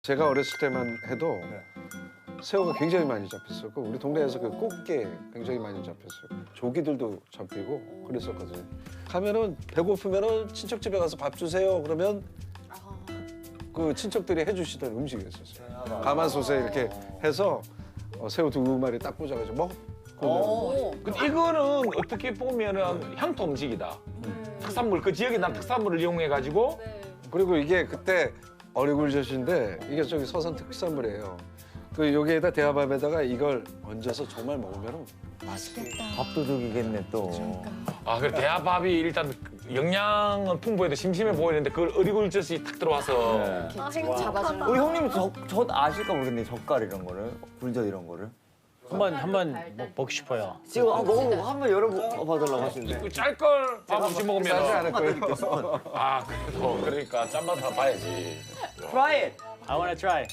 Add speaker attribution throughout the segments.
Speaker 1: 제가 어렸을 때만 해도 새우가 굉장히 많이 잡혔었고 우리 동네에서 그 꽃게 굉장히 많이 잡혔어요. 조기들도 잡히고 그랬었거든요. 가면은 배고프면은 친척집에 가서 밥 주세요. 그러면 그 친척들이 해주시던 음식이었었어요. 가마솥에 이렇게 해서 새우 2마리 딱 꽂아가지고 먹고.
Speaker 2: 근데 이거는 어떻게 보면은 향토 음식이다. 특산물, 그 지역에 난 특산물을 이용해가지고.
Speaker 1: 그리고 이게 그때 어리굴젓인데 이게 저기 서산 특산물이에요. 그 여기에다 대하밥에다가 이걸 얹어서 정말 먹으면
Speaker 3: 밥도둑이겠네 또.
Speaker 2: 아, 그래 대하밥이 일단 영양은 풍부해도 심심해 보이는데 그걸 어리굴젓이 탁 들어와서.
Speaker 4: 생 잡아주는
Speaker 3: 우리 형님은 젓 아실까 모르겠네. 젓갈 이런 거를, 굴젓 이런 거를.
Speaker 5: 한번 먹고 싶어요.
Speaker 3: 지금 먹어보고 한번 열어봐달라고 하시는데.
Speaker 2: 그 짤걸 밥 없이
Speaker 1: 싸지
Speaker 2: 먹으면.
Speaker 1: 않을 거예요.
Speaker 2: 아, 그래도 그러니까 짠맛 다 봐야지.
Speaker 3: Try it.
Speaker 5: I wanna try.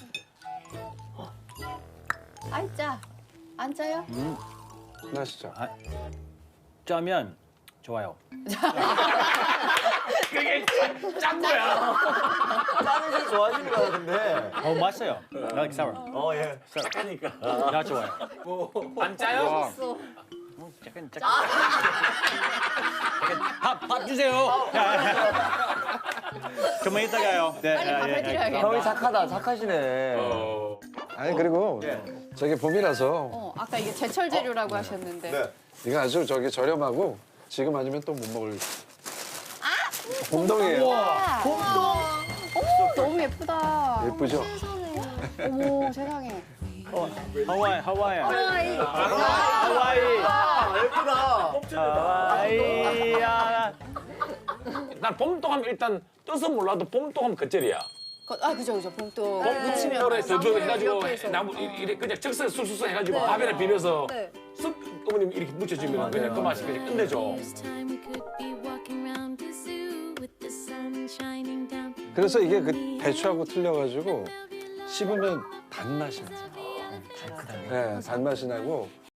Speaker 4: 아이 짜. 안 짜요?
Speaker 1: 맛있죠?
Speaker 5: 짜면 좋아요.
Speaker 2: 그게 짠 거야.
Speaker 3: 짜는 걸 좋아하시는 거 같은데.
Speaker 5: 맛있어요. I like sour.
Speaker 3: 예.
Speaker 2: 짜니까.
Speaker 5: 나 좋아요.
Speaker 2: 안 짜요?
Speaker 5: 약간 밥 주세요. 좀만 이따가요. 네,
Speaker 4: 빨리 밥을 드려야겠다.
Speaker 3: 형이 착하시네.
Speaker 1: 아니 그리고 저기 봄이라서
Speaker 4: 아까 이게 제철 재료라고 하셨는데.
Speaker 1: 이거 아주 저기 저렴하고 지금 아니면 또 못 먹을. 봄동이에요.
Speaker 4: 봄동. 어머 너무 예쁘다.
Speaker 1: 예쁘죠?
Speaker 4: 어머 세상에.
Speaker 5: 하와이.
Speaker 4: 하와이.
Speaker 5: 하와이야.
Speaker 2: 난 봄동하면 일단 뜻은 몰라도 봄동하면 겉절이야.
Speaker 4: 그죠 봄동.
Speaker 2: 봄동으로 저도 해가지고 나무 이렇게 그냥 즉석 술술 해가지고 밥에다 비벼서 쓱 어머님 이렇게 묻혀주면 그냥 그 맛이 그냥 끝내줘.
Speaker 1: 그래서 이게 그 배추하고 틀려가지고 씹으면 단맛이 나요. 네, 단맛이 나고